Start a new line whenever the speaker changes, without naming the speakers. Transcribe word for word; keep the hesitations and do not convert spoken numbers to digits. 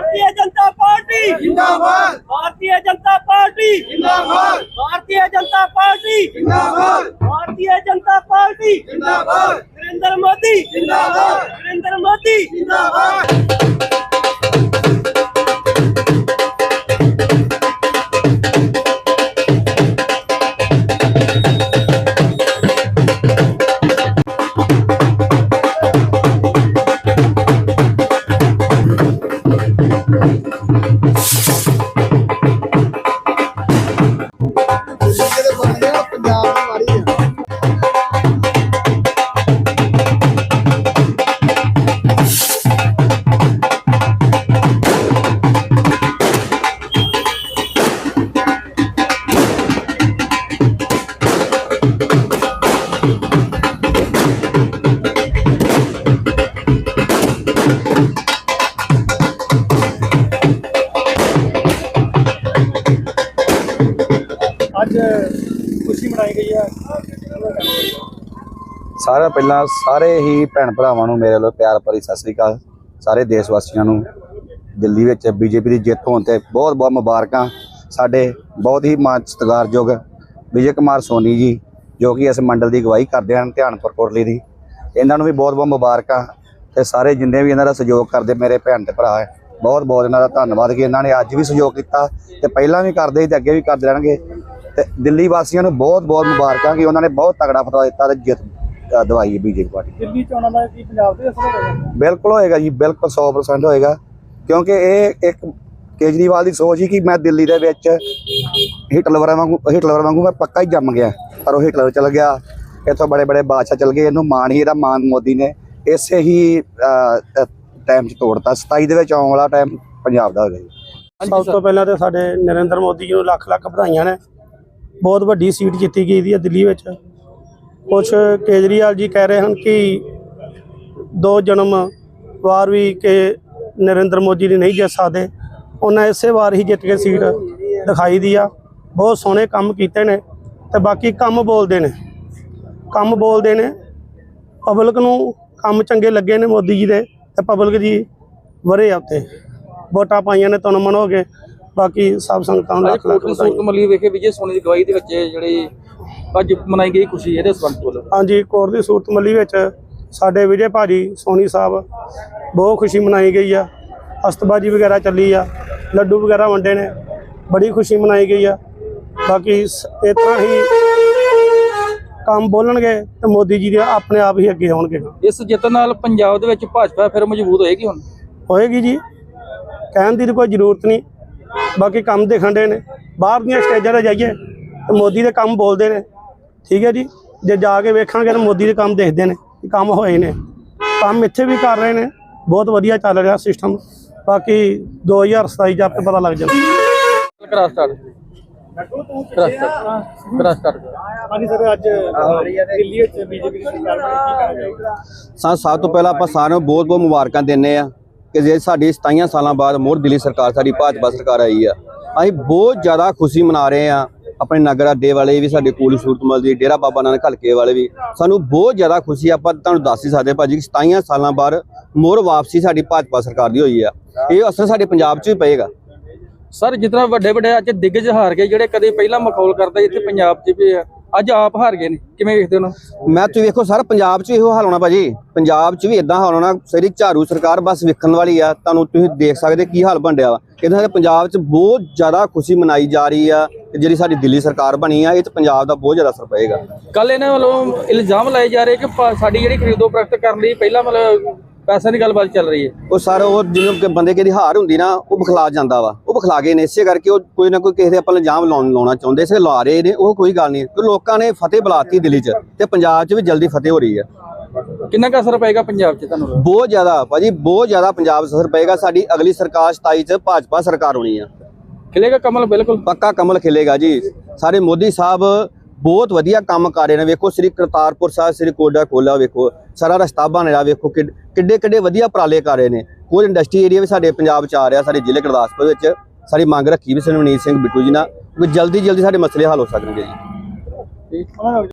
भारतीय जनता पार्टी
जिंदाबाद,
भारतीय जनता पार्टी
जिंदाबाद,
भारतीय जनता पार्टी
जिंदाबाद,
भारतीय जनता पार्टी
जिंदाबाद,
नरेंद्र मोदी
जिंदाबाद,
नरेंद्र मोदी
जिंदाबाद।
ਅੱਜ ਖੁਸ਼ੀ ਮਨਾਈ ਗਈ ਹੈ।
ਸਾਰਾ ਪਹਿਲਾਂ ਸਾਰੇ ਹੀ ਭੈਣ ਭਰਾਵਾਂ ਨੂੰ ਮੇਰੇ ਵੱਲੋਂ ਪਿਆਰ ਭਰੀ ਸਤਿ ਸ੍ਰੀ ਅਕਾਲ। ਸਾਰੇ ਦੇਸ਼ ਵਾਸੀਆਂ ਨੂੰ ਦਿੱਲੀ ਵਿੱਚ ਬੀਜੇਪੀ ਦੀ ਜਿੱਤ ਹੋਣ ਤੇ ਬਹੁਤ ਬਹੁਤ ਮੁਬਾਰਕਾਂ। ਸਾਡੇ ਬਹੁਤ ਹੀ ਮਾਣ ਸਤਿਕਾਰਯੋਗ ਵਿਜੇ ਕੁਮਾਰ ਸੋਨੀ ਜੀ ਜੋ ਕਿ ਇਸ ਮੰਡਲ ਦੀ ਅਗਵਾਈ ਕਰਦੇ ਹਨ ਧਿਆਨਪੁਰ ਕੋਟਲੀ ਦੀ, ਇਹਨਾਂ ਨੂੰ ਵੀ ਬਹੁਤ ਬਹੁਤ ਮੁਬਾਰਕਾਂ। ਤੇ ਸਾਰੇ ਜਿੰਨੇ ਵੀ ਇਹਨਾਂ ਦਾ ਸਹਿਯੋਗ ਕਰਦੇ ਮੇਰੇ ਭੈਣ ਤੇ ਭਰਾ ਹੈ, ਬਹੁਤ ਬਹੁਤ ਇਹਨਾਂ ਦਾ ਧੰਨਵਾਦ ਕਿ ਇਹਨਾਂ ਨੇ ਅੱਜ ਵੀ ਸਹਿਯੋਗ ਕੀਤਾ ਤੇ ਪਹਿਲਾਂ ਵੀ ਕਰਦੇ ਸੀ ਤੇ ਅੱਗੇ ਵੀ ਕਰਦੇ ਰਹਿਣਗੇ। ਤੇ ਦਿੱਲੀ ਵਾਸੀਆਂ ਨੂੰ ਬਹੁਤ ਬਹੁਤ ਮੁਬਾਰਕਾਂ ਕਿ ਉਹਨਾਂ ਨੇ ਬਹੁਤ ਤਗੜਾ ਫਤਵਾ ਦਿੱਤਾ ਤੇ ਜਿੱਤ ਦਵਾਈ ਹੈ ਬੀਜੇਪੀ ਪਾਰਟੀ।
ਦਿੱਲੀ ਚੋਣਾਂ ਦਾ ਕੀ ਪੰਜਾਬ ਦੇ ਅਸਰ ਹੋਵੇਗਾ?
ਬਿਲਕੁਲ ਹੋਏਗਾ ਜੀ, ਬਿਲਕੁਲ ਸੌ ਪਰਸੈਂਟ ਹੋਏਗਾ, ਕਿਉਂਕਿ ਇਹ ਇੱਕ ਕੇਜਰੀਵਾਲ ਦੀ ਸੋਚ ਹੀ ਕਿ ਮੈਂ ਦਿੱਲੀ ਦੇ ਵਿੱਚ ਹਿਟਲਰ ਵਾਂਗੂ ਹਿਟਲਰ ਵਾਂਗੂ ਮੈਂ ਪੱਕਾ ਹੀ ਜੰਮ ਗਿਆ, ਪਰ ਉਹ ਹਿਟਲਰ ਚਲ ਗਿਆ, ਇੱਥੋਂ ਬੜੇ ਬੜੇ ਬਾਦਸ਼ਾਹ ਚਲ ਗਏ। ਇਹਨੂੰ ਮਾਣ ਹੀ ਇਹਦਾ ਮਾਣ ਮੋਦੀ ਨੇ ਇਸੇ ਹੀ ਟਾਈਮ 'ਚ ਤੋੜਤਾ। ਸਤਾਈ ਦੇ ਵਿੱਚ ਆਉਣ ਵਾਲਾ ਟਾਈਮ ਪੰਜਾਬ ਦਾ ਹੋ ਗਿਆ ਜੀ।
ਸਭ ਤੋਂ ਪਹਿਲਾਂ ਤਾਂ ਸਾਡੇ ਨਰਿੰਦਰ ਮੋਦੀ ਜੀ ਨੂੰ ਲੱਖ ਲੱਖ ਵਧਾਈਆਂ ਨੇ। ਬਹੁਤ ਵੱਡੀ ਸੀਟ ਜਿੱਤੀ ਗਈ ਦੀ ਹੈ ਦਿੱਲੀ ਵਿੱਚ। ਕੁਛ ਕੇਜਰੀਵਾਲ ਜੀ ਕਹਿ ਰਹੇ ਹਨ ਕਿ ਦੋ ਜਨਮ ਵਾਰ ਵੀ ਕਿ ਨਰਿੰਦਰ ਮੋਦੀ ਨੇ ਨਹੀਂ ਜਿੱਤ ਸਕਦੇ, ਉਹਨਾਂ ਇਸੇ ਵਾਰ ਹੀ ਜਿੱਤ ਕੇ ਸੀਟ ਦਿਖਾਈ ਦੀ ਆ। ਬਹੁਤ ਸੋਹਣੇ ਕੰਮ ਕੀਤੇ ਨੇ ਤੇ ਬਾਕੀ ਕੰਮ ਬੋਲਦੇ ਨੇ ਕੰਮ ਬੋਲਦੇ ਨੇ ਪਬਲਿਕ ਨੂੰ ਕੰਮ ਚੰਗੇ ਲੱਗੇ ਨੇ ਮੋਦੀ ਜੀ ਦੇ ਤੇ ਪਬਲਿਕ ਜੀ ਵਰੇ ਆ ਉੱਤੇ ਵੋਟਾਂ ਪਾਈਆਂ ਨੇ ਤਨ ਮਨ ਹੋ ਗਏ। ਬਾਕੀ ਸਭ ਸੰਗਤਾਂ ਨੂੰ ਲੱਖ ਲੱਖ ਵਧਾਈਆਂ।
ਮੱਲੀ ਵੇਖੇ ਵਿਜੇ ਸੋਨੀ ਦੀ ਗਵਾਹੀ ਦੇ ਵਿੱਚ ਜਿਹੜੀ ਅੱਜ ਮਨਾਈ ਗਈ ਖੁਸ਼ੀ ਇਹਦੇ ਸੰਬੰਧ ਵੱਲੋਂ।
ਹਾਂਜੀ, ਕੋਟ ਦੀ ਸੂਰਤ ਮੱਲੀ ਵਿੱਚ ਸਾਡੇ ਵਿਜੇ ਭਾਜੀ ਸੋਨੀ ਸਾਹਿਬ ਬਹੁਤ ਖੁਸ਼ੀ ਮਨਾਈ ਗਈ ਆ। ਅਸਤਬਾਜੀ ਵਗੈਰਾ ਚੱਲੀ ਆ, ਲੱਡੂ ਵਗੈਰਾ ਵੰਡੇ ਨੇ, ਬੜੀ ਖੁਸ਼ੀ ਮਨਾਈ ਗਈ ਆ। ਬਾਕੀ ਇਸ ਤਰ੍ਹਾਂ ਹੀ ਕੰਮ ਬੋਲਣਗੇ ਤੇ ਮੋਦੀ ਜੀ ਦੇ ਆਪਣੇ ਆਪ ਹੀ ਅੱਗੇ ਆਉਣਗੇ।
ਇਸ ਜਿੱਤ ਨਾਲ ਪੰਜਾਬ ਦੇ ਵਿੱਚ ਭਾਜਪਾ ਫਿਰ ਮਜ਼ਬੂਤ ਹੋਏਗੀ। ਹੁਣ
ਹੋਏਗੀ ਜੀ, ਕਹਿਣ ਦੀ ਕੋਈ ਜ਼ਰੂਰਤ ਨਹੀਂ। ਬਾਕੀ ਕੰਮ ਦਿਖਣ ਦੇ ਨੇ, ਬਾਹਰ ਦੀਆਂ ਸਟੇਜਾਂ 'ਤੇ ਜਾਈਏ ਤੇ ਮੋਦੀ ਦੇ ਕੰਮ ਬੋਲਦੇ ਨੇ, ਠੀਕ ਹੈ ਜੀ। ਜੇ ਜਾ ਕੇ ਵੇਖਾਂਗੇ ਤਾਂ ਮੋਦੀ ਦੇ ਕੰਮ ਦੇਖਦੇ ਨੇ ਕਿ ਕੰਮ ਹੋਏ ਨੇ, ਕੰਮ ਇੱਥੇ ਵੀ ਕਰ ਰਹੇ ਨੇ, ਬਹੁਤ ਵਧੀਆ ਚੱਲ ਰਿਹਾ ਸਿਸਟਮ। ਬਾਕੀ ਦੋ ਹਜ਼ਾਰ ਸਤਾਈ 'ਚ ਆਪੇ ਪਤਾ ਲੱਗ ਜਾਣਾ।
ਕਰਾ ਸਟਾਰਟ ਕਰਾ ਸਟਾਰਟ ਕਰਾ ਸਟਾਰਟ
ਹਾਂਜੀ ਸਰ, ਅੱਜ ਦਿੱਲੀ ਵਿੱਚ ਬੀਜੇਪੀ ਦੀ ਸਰਕਾਰ ਬਣੀ, ਕੀ ਕਹਿਣਾ ਚਾਹੋਗੇ?
ਸਾ ਸਭ ਤੋਂ ਪਹਿਲਾਂ ਆਪਾਂ ਸਾਰਿਆਂ ਨੂੰ ਬਹੁਤ ਬਹੁਤ ਮੁਬਾਰਕਾਂ ਦਿੰਦੇ ਆ ਕਿ ਜੇ ਸਾਡੀ ਸਤਾਈਆਂ ਸਾਲਾਂ ਬਾਅਦ ਮੁੜ ਦਿੱਲੀ ਸਰਕਾਰ ਸਾਡੀ ਭਾਜਪਾ ਸਰਕਾਰ ਆਈ ਆ। ਅਸੀਂ ਬਹੁਤ ਜ਼ਿਆਦਾ ਖੁਸ਼ੀ ਮਨਾ ਰਹੇ ਆ। ਆਪਣੇ ਨਗਰ ਅੱਡੇ ਵਾਲੇ ਵੀ, ਸਾਡੇ ਕੋਲ ਸੂਰਤਮਲ ਦੀ, ਡੇਰਾ ਬਾਬਾ ਨਾਨਕ ਹਲਕੇ ਵਾਲੇ ਵੀ, ਸਾਨੂੰ ਬਹੁਤ ਜ਼ਿਆਦਾ ਖੁਸ਼ੀ। ਆਪਾਂ ਤੁਹਾਨੂੰ ਦੱਸ ਹੀ ਸਕਦੇ ਭਾਜੀ ਕਿ ਸਤਾਈਆਂ ਸਾਲਾਂ ਬਾਅਦ ਮੁੜ ਵਾਪਸੀ ਸਾਡੀ ਭਾਜਪਾ ਸਰਕਾਰ ਦੀ ਹੋਈ ਆ। ਇਹ ਅਸਰ ਸਾਡੇ ਪੰਜਾਬ 'ਚ ਵੀ ਪਏਗਾ।
ਸਰ ਜਿਸ ਤਰ੍ਹਾਂ ਵੱਡੇ ਵੱਡੇ ਅੱਜ ਦਿੱਗਜ ਹਾਰ ਗਏ ਜਿਹੜੇ ਕਦੇ ਪਹਿਲਾਂ ਮਖੌਲ ਕਰਦੇ ਇੱਥੇ ਪੰਜਾਬ 'ਚ ਵੀ ਅੱਜ ਆਪ ਹਾਰ ਗਏ ਨੇ, ਕਿਵੇਂ ਵੇਖਦੇ ਹੋ?
ਮੈਂ ਤੁਸੀਂ ਵੇਖੋ ਸਰ, ਪੰਜਾਬ 'ਚ ਇਹੋ ਹਾਲ ਹੋਣਾ ਭਾਜੀ, ਪੰਜਾਬ 'ਚ ਵੀ ਇਦਾਂ ਹਾਲ ਹੋਣਾ। ਸਾਰੀ ਝਾੜੂ ਸਰਕਾਰ ਬਸ ਵੇਖਣ ਵਾਲੀ ਆ। ਤੁਹਾਨੂੰ ਤੁਸੀਂ ਦੇਖ ਸਕਦੇ ਕੀ ਹਾਲ ਬਣ ਰਿਹਾ ਵਾ। ਇਹਦੇ ਪੰਜਾਬ 'ਚ ਬਹੁਤ ਜ਼ਿਆਦਾ ਖੁਸ਼ੀ ਮਨਾਈ ਜਾ ਰਹੀ ਆ ਕਿ ਜਿਹੜੀ ਸਾਡੀ ਦਿੱਲੀ ਸਰਕਾਰ ਬਣੀ ਆ, ਇਹ 'ਚ ਪੰਜਾਬ ਦਾ ਬਹੁਤ ਜ਼ਿਆਦਾ ਅਸਰ ਪਏਗਾ।
ਕੱਲ ਇਹਨਾਂ ਵੱਲੋਂ ਇਲਜ਼ਾਮ ਲਾਏ ਜਾ ਰਹੇ ਕਿ ਸਾਡੀ ਜਿਹੜੀ ਖਰੀਦੋ ਫਰੋਖਤ ਕਰਨ ਲਈ ਪਹਿਲਾਂ ਮਤਲਬ ਪੈਸੇ ਦੀ ਗੱਲਬਾਤ ਚੱਲ ਰਹੀ ਹੈ।
ਉਹ ਸਰ ਉਹ ਜਿਵੇਂ ਬੰਦੇ ਕਿਹਦੀ ਹਾਰ ਹੁੰਦੀ ਨਾ, ਉਹ ਬਖਲਾ ਜਾਂਦਾ ਵਾ, ਉਹ ਬਖਲਾ ਗਏ ਨੇ। ਇਸੇ ਕਰਕੇ ਉਹ ਕੋਈ ਨਾ ਕੋਈ ਕਿਸੇ ਦੇ ਆਪਾਂ ਇਲਜ਼ਾਮ ਲਾਉਣ ਲਾਉਣਾ ਚਾਹੁੰਦੇ ਸੀ, ਲਾ ਰਹੇ ਨੇ। ਉਹ ਕੋਈ ਗੱਲ ਨਹੀਂ, ਕਿ ਲੋਕਾਂ ਨੇ ਫਤਿਹ ਬੁਲਾਤੀ ਦਿੱਲੀ 'ਚ ਤੇ ਪੰਜਾਬ 'ਚ ਵੀ ਜਲਦੀ ਫਤਿਹ ਹੋ ਰਹੀ ਹੈ।
ਕਿੰਨਾ ਕੁ ਅਸਰ ਪਏਗਾ ਪੰਜਾਬ 'ਚ ਤੁਹਾਨੂੰ?
ਬਹੁਤ ਜ਼ਿਆਦਾ ਭਾਜੀ, ਬਹੁਤ ਜ਼ਿਆਦਾ ਪੰਜਾਬ 'ਚ ਅਸਰ ਪਏਗਾ। ਸਾਡੀ ਅਗਲੀ ਸਰਕਾਰ ਸਤਾਈ 'ਚ ਭਾਜਪਾ ਸਰਕਾਰ ਹੋਣੀ ਆ।
ਖਿਲੇਗਾ ਕਮਲ? ਬਿਲਕੁਲ
ਪੱਕਾ ਕਮਲ ਖਿਲੇਗਾ ਜੀ। ਸਾਰੇ ਮੋਦੀ ਸਾਹਿਬ ਬਹੁਤ ਵਧੀਆ ਕੰਮ ਕਰ ਰਹੇ ਨੇ। ਵੇਖੋ ਸ੍ਰੀ ਕਰਤਾਰਪੁਰ ਸਾਹਿਬ, ਸ੍ਰੀ ਕੋਡਾ ਖੋਲਾ, ਵੇਖੋ ਸਾਰਾ ਰਸਤਾ ਬਣ ਰਿਹਾ, ਵੇਖੋ ਕਿੱਡੇ ਕਿੱਡੇ ਵਧੀਆ ਉਪਰਾਲੇ ਕਰ ਰਹੇ ਨੇ। ਕੋਈ ਇੰਡਸਟਰੀ ਏਰੀਆ ਵੀ ਸਾਡੇ ਪੰਜਾਬ 'ਚ ਆ ਰਿਹਾ, ਸਾਡੇ ਜ਼ਿਲ੍ਹੇ ਗੁਰਦਾਸਪੁਰ ਵਿੱਚ। ਸਾਡੀ ਮੰਗ ਰੱਖੀ ਵੀ ਸਰਵਨੀਤ ਸਿੰਘ ਬਿੱਟੂ ਜੀ ਨਾਲ, ਜਲਦੀ ਜਲਦੀ ਸਾਡੇ ਮਸਲੇ ਹੱਲ ਹੋ ਸਕਣਗੇ ਜੀ।